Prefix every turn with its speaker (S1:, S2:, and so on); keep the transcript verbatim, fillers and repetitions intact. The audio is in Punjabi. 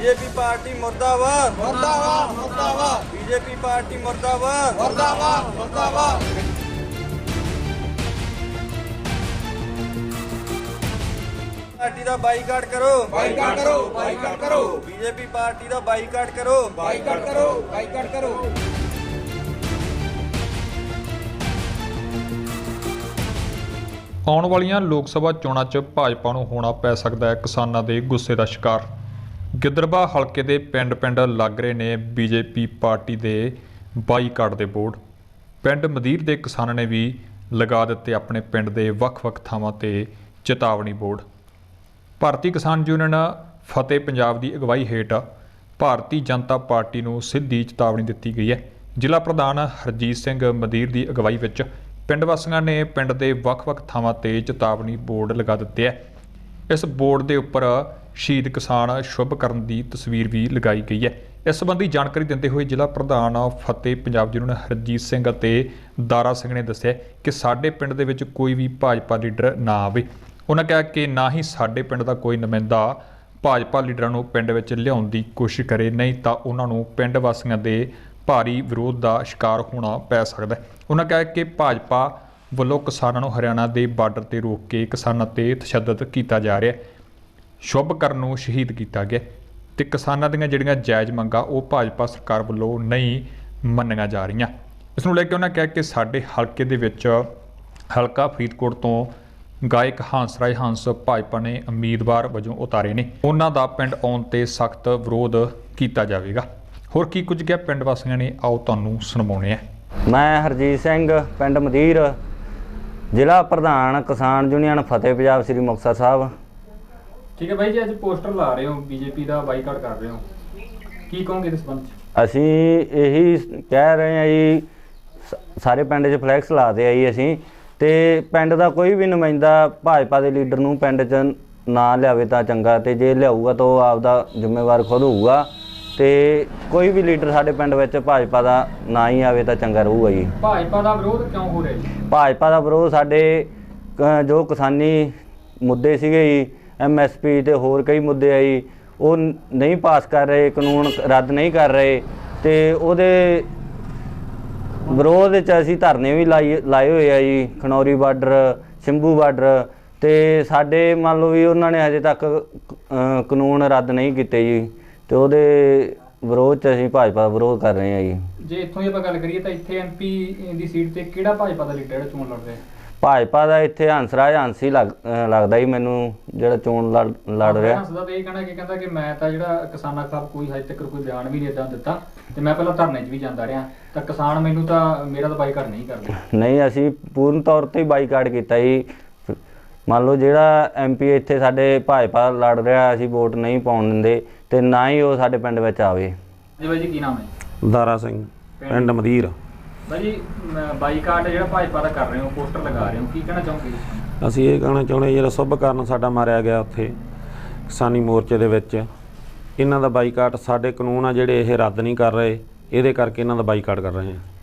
S1: बीजेपी पार्टी मुर्दाबाद
S2: मुर्दाबाद मुर्दाबाद
S1: बीजेपी पार्टी मुर्दाबाद
S2: मुर्दाबाद मुर्दाबाद
S1: पार्टी का बाईकाट करो
S2: बाईकाट करो बाईकाट करो
S1: बीजेपी पार्टी का बाईकाट करो
S2: बाईकाट करो बाईकाट करो।
S3: ਆਉਣ ਵਾਲੀਆਂ ਲੋਕ ਸਭਾ ਚੋਣਾਂ 'ਚ ਭਾਜਪਾ ਨੂੰ ਹੋਣਾ ਪੈ ਸਕਦਾ ਹੈ ਕਿਸਾਨਾਂ ਦੇ ਗੁੱਸੇ ਦਾ ਸ਼ਿਕਾਰ। ਗਿੱਦੜਬਾਹਾ ਹਲਕੇ ਦੇ ਪਿੰਡ-ਪਿੰਡ ਲੱਗ ਰਹੇ ਨੇ ਬੀਜੇਪੀ ਪਾਰਟੀ ਦੇ ਬਾਈਕਾਟ ਦੇ ਬੋਰਡ। ਪਿੰਡ ਮਦੀਰ ਦੇ ਕਿਸਾਨਾਂ ਨੇ ਵੀ ਲਗਾ ਦਿੱਤੇ ਆਪਣੇ ਪਿੰਡ ਦੇ ਵੱਖ-ਵੱਖ ਥਾਵਾਂ ਤੇ ਚੇਤਾਵਨੀ ਬੋਰਡ। ਭਾਰਤੀ ਕਿਸਾਨ ਯੂਨੀਅਨ ਫਤਿਹ ਪੰਜਾਬ ਦੀ ਅਗਵਾਈ ਹੇਠ ਭਾਰਤੀ ਜਨਤਾ ਪਾਰਟੀ ਨੂੰ ਸਿੱਧੀ ਚੇਤਾਵਨੀ ਦਿੱਤੀ ਗਈ ਹੈ। ਜ਼ਿਲ੍ਹਾ ਪ੍ਰਧਾਨ ਹਰਜੀਤ ਸਿੰਘ ਮਦੀਰ ਦੀ ਅਗਵਾਈ ਵਿੱਚ ਪਿੰਡ ਵਾਸੀਆਂ ਨੇ ਪਿੰਡ ਦੇ ਵੱਖ-ਵੱਖ ਥਾਵਾਂ ਤੇ ਚੇਤਾਵਨੀ ਬੋਰਡ ਲਗਾ ਦਿੱਤੇ ਹੈ। ਇਸ ਬੋਰਡ ਦੇ ਉੱਪਰ ਸ਼ਹੀਦ ਕਿਸਾਨ ਸ਼ੁਭਕਰਨ ਦੀ ਤਸਵੀਰ ਵੀ ਲਗਾਈ ਗਈ ਹੈ। ਇਸ ਸੰਬੰਧੀ ਜਾਣਕਾਰੀ ਦਿੰਦੇ ਹੋਏ ਜ਼ਿਲ੍ਹਾ ਪ੍ਰਧਾਨ ਫਤਿਹ ਪੰਜਾਬ ਜੀ ਨੂੰ ਹਰਜੀਤ ਸਿੰਘ ਅਤੇ ਦਾਰਾ ਸਿੰਘ ਨੇ ਦੱਸਿਆ ਕਿ ਸਾਡੇ ਪਿੰਡ ਦੇ ਵਿੱਚ ਕੋਈ ਵੀ ਭਾਜਪਾ ਲੀਡਰ ਨਾ ਆਵੇ। ਉਹਨਾਂ ਕਿਹਾ ਕਿ ਨਾ ਹੀ ਸਾਡੇ ਪਿੰਡ ਦਾ ਕੋਈ ਨੁਮਾਇੰਦਾ ਭਾਜਪਾ ਲੀਡਰਾਂ ਨੂੰ ਪਿੰਡ ਵਿੱਚ ਲਿਆਉਣ ਦੀ ਕੋਸ਼ਿਸ਼ ਕਰੇ, ਨਹੀਂ ਤਾਂ ਉਹਨਾਂ ਨੂੰ ਪਿੰਡ ਵਾਸੀਆਂ ਦੇ ਭਾਰੀ ਵਿਰੋਧ ਦਾ ਸ਼ਿਕਾਰ ਹੋਣਾ ਪੈ ਸਕਦਾ ਹੈ। ਉਹਨਾਂ ਕਿਹਾ ਕਿ ਭਾਜਪਾ ਵੱਲੋਂ ਕਿਸਾਨਾਂ ਨੂੰ ਹਰਿਆਣਾ ਦੇ ਬਾਰਡਰ ਤੇ ਰੋਕ ਕੇ ਕਿਸਾਨਾਂ ਤੇ ਤਸ਼ੱਦਦ ਕੀਤਾ ਜਾ ਰਿਹਾ ਹੈ। ਸ਼ੁਭਕਰਨ ਨੂੰ ਸ਼ਹੀਦ ਕੀਤਾ ਗਿਆ ਤੇ ਕਿਸਾਨਾਂ ਦੀਆਂ ਜਿਹੜੀਆਂ ਜਾਇਜ਼ ਮੰਗਾਂ ਉਹ ਭਾਜਪਾ ਸਰਕਾਰ ਵੱਲੋਂ ਨਹੀਂ ਮੰਨੀਆਂ ਜਾ ਰਹੀਆਂ। ਇਸ ਨੂੰ ਲੈ ਕੇ ਉਹਨਾਂ ਕਿਹਾ ਕਿ ਸਾਡੇ ਹਲਕੇ ਦੇ ਵਿੱਚ ਹਲਕਾ ਫਰੀਦਕੋਟ ਤੋਂ ਗਾਇਕ ਹੰਸ ਰਾਏ ਹੰਸ ਭਾਜਪਾ ਨੇ ਉਮੀਦਵਾਰ ਵਜੋਂ ਉਤਾਰੇ ਨੇ। ਉਹਨਾਂ ਦਾ ਪਿੰਡ ਆਉਣ ਤੇ ਸਖਤ ਵਿਰੋਧ ਕੀਤਾ ਜਾਵੇਗਾ। ਹੋਰ ਕੀ ਕੁਝ ਕਿਹਾ ਪਿੰਡ ਵਾਸੀਆਂ ਨੇ, ਆਓ ਤੁਹਾਨੂੰ ਸੁਣਾਉਂਦੇ ਹਾਂ।
S4: ਮੈਂ ਹਰਜੀਤ ਸਿੰਘ ਪਿੰਡ ਮਦੀਰ, ਜ਼ਿਲ੍ਹਾ ਪ੍ਰਧਾਨ ਕਿਸਾਨ ਯੂਨੀਅਨ ਫਤਿਹ ਪੰਜਾਬ ਸ੍ਰੀ ਮੁਕਤਸਰ ਸਾਹਿਬ।
S3: ਠੀਕ ਹੈ ਬਾਈ ਜੀ, ਅੱਜ ਪੋਸਟਰ ਲਾ ਰਹੇ ਹੋ, ਬੀਜੇਪੀ ਦਾ ਬਾਈਕਾਟ ਕਰ ਰਹੇ ਹੋ, ਕੀ ਕਹੋਗੇ ਇਸ ਸੰਬੰਧ 'ਚ?
S4: ਅਸੀਂ ਇਹੀ ਕਹਿ ਰਹੇ ਹਾਂ ਜੀ, ਸਾਰੇ ਪਿੰਡ 'ਚ ਫਲੈਕਸ ਲਾਦੇ ਆ ਜੀ ਅਸੀਂ, ਤੇ ਪਿੰਡ ਦਾ ਕੋਈ ਵੀ ਨੁਮਾਇੰਦਾ ਭਾਜਪਾ ਦੇ ਲੀਡਰ ਨੂੰ ਪਿੰਡ 'ਚ ਨਾ ਲਿਆਵੇ ਤਾਂ ਚੰਗਾ, ਤੇ ਜੇ ਲਿਆਊਗਾ ਤਾਂ ਉਹ ਆਪਦਾ ਜ਼ਿੰਮੇਵਾਰ ਖੁਦ ਹੋਊਗਾ। ਤੇ ਕੋਈ ਵੀ ਲੀਡਰ ਸਾਡੇ ਪਿੰਡ ਵਿੱਚ ਭਾਜਪਾ ਦਾ ਨਾ ਹੀ ਆਵੇ ਤਾਂ ਚੰਗਾ ਰਹੂਗਾ ਜੀ।
S3: ਭਾਜਪਾ ਦਾ ਵਿਰੋਧ ਕਿਉਂ ਹੋ ਰਿਹਾ ਜੀ?
S4: ਭਾਜਪਾ ਦਾ ਵਿਰੋਧ ਸਾਡੇ ਜੋ ਕਿਸਾਨੀ ਮੁੱਦੇ ਸੀਗੇ ਜੀ, ਐਮ ਐਸ ਪੀ ਤੇ ਹੋਰ ਕਈ ਮੁੱਦੇ ਆ ਜੀ, ਉਹ ਨਹੀਂ ਪਾਸ ਕਰ ਰਹੇ, ਕਾਨੂੰਨ ਰੱਦ ਨਹੀਂ ਕਰ ਰਹੇ, ਤੇ ਉਹਦੇ ਵਿਰੋਧ ਵਿੱਚ ਅਸੀਂ ਧਰਨੇ ਵੀ ਲਾਈ ਲਾਏ ਹੋਏ ਆ ਜੀ। ਖਨੌਰੀ ਬਾਰਡਰ, ਸ਼ੰਭੂ ਬਾਰਡਰ, ਤੇ ਸਾਡੇ ਮੰਨ ਲਓ ਵੀ ਉਹਨਾਂ ਨੇ ਹਜੇ ਤੱਕ ਕਾਨੂੰਨ ਰੱਦ ਨਹੀਂ ਕੀਤੇ ਜੀ, ਤੇ ਉਹਦੇ ਵਿਰੋਧ 'ਚ ਅਸੀਂ ਭਾਜਪਾ ਦਾ ਵਿਰੋਧ ਕਰ ਰਹੇ ਹਾਂ ਜੀ।
S3: ਜੇ ਇੱਥੋਂ ਦੀ ਆਪਾਂ ਗੱਲ ਕਰੀਏ ਤਾਂ ਇੱਥੇ ਐਮ ਪੀ ਦੀ ਸੀਟ ਤੇ ਕਿਹੜਾ ਭਾਜਪਾ ਦਾ ਲੀਡਰ ਜਿਹੜਾ ਚੋਣ ਲੜ ਰਿਹਾ?
S4: ਭਾਜਪਾ ਦਾ ਇੱਥੇ ਹੰਸ ਰਾਜ ਹੰਸ ਹੀ ਲੱਗ ਲੱਗਦਾ ਜੀ ਮੈਨੂੰ, ਜਿਹੜਾ ਚੋਣ ਲੜ ਲੜ ਰਿਹਾ।
S3: ਹੰਸ ਦਾ ਤਾਂ ਇਹ ਕਹਿਣਾ ਕਿ ਕਹਿੰਦਾ ਕਿ ਮੈਂ ਤਾਂ ਜਿਹੜਾ ਕਿਸਾਨਾਂ ਖਿਲਾਫ ਕੋਈ ਹਜੇ ਤੱਕ ਕੋਈ ਬਿਆਨ ਵੀ ਨਹੀਂ ਇੱਦਾਂ ਦਿੱਤਾ, ਤੇ ਮੈਂ ਪਹਿਲਾਂ ਧਰਨੇ 'ਚ ਵੀ ਜਾਂਦਾ ਰਿਹਾ, ਤਾਂ ਕਿਸਾਨ ਮੈਨੂੰ ਤਾਂ ਮੇਰਾ ਤਾਂ ਬਾਈਕਾਟ ਨਹੀਂ ਕਰਦੇ।
S4: ਨਹੀਂ, ਅਸੀਂ ਪੂਰਨ ਤੌਰ 'ਤੇ ਹੀ ਬਾਈਕਾਟ ਕੀਤਾ ਜੀ। ਮੰਨ ਲਓ ਜਿਹੜਾ ਐਮ ਪੀ ਇੱਥੇ ਸਾਡੇ ਭਾਜਪਾ ਲੜ ਰਿਹਾ, ਅਸੀਂ ਵੋਟ ਨਹੀਂ ਪਾਉਣ ਦਿੰਦੇ, ਤੇ ਨਾ ਹੀ ਉਹ ਸਾਡੇ ਪਿੰਡ ਵਿੱਚ ਆਵੇ।
S3: ਜੀ ਬਾਈ ਜੀ, ਕੀ ਨਾਮ ਹੈ?
S5: ਦਾਰਾ ਸਿੰਘ, ਪਿੰਡ ਮਦੀਰ।
S3: ਬਾਈ ਜੀ, ਬਾਈਕਾਟ ਜਿਹੜਾ ਭਾਜਪਾ ਦਾ ਕਰ ਰਹੇ ਹੋ, ਪੋਸਟਰ ਲਗਾ ਰਹੇ ਹੋ, ਕੀ ਕਹਿਣਾ ਚਾਹੋਗੇ?
S5: ਅਸੀਂ ਇਹ ਕਹਿਣਾ ਚਾਹੁੰਦੇ ਜਿਹੜਾ ਸ਼ੁਭਕਰਨ ਸਾਡਾ ਮਾਰਿਆ ਗਿਆ ਉੱਥੇ ਕਿਸਾਨੀ ਮੋਰਚੇ ਦੇ ਵਿੱਚ, ਇਹਨਾਂ ਦਾ ਬਾਈਕਾਟ, ਸਾਡੇ ਕਾਨੂੰਨ ਆ ਜਿਹੜੇ ਇਹ ਰੱਦ ਨਹੀਂ ਕਰ ਰਹੇ, ਇਹਦੇ ਕਰਕੇ ਇਹਨਾਂ ਦਾ ਬਾਈਕਾਟ ਕਰ ਰਹੇ ਹਾਂ।